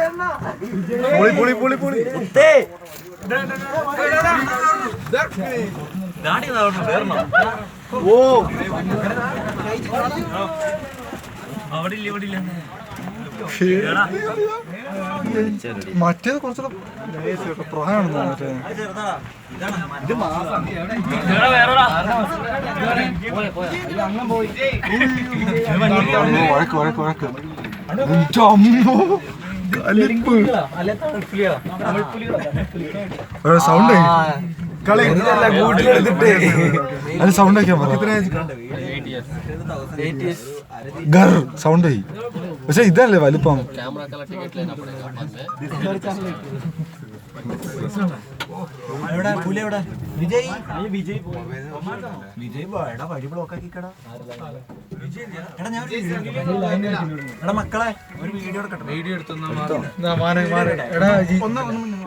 മറ്റേത് കുറച്ചുകൂടെ പ്രായമാണെന്ന് മറ്റേ വഴക്ക് സൗണ്ട് അത് സൗണ്ട് ആക്കിയാ ഗർ സൗണ്ട് ആയി പക്ഷെ ഇതല്ലേ വലിപ്പം മക്കളെ ഒരു വീഡിയോ എടുക്കട്ടെ. വീഡിയോ എടുത്തു എടാ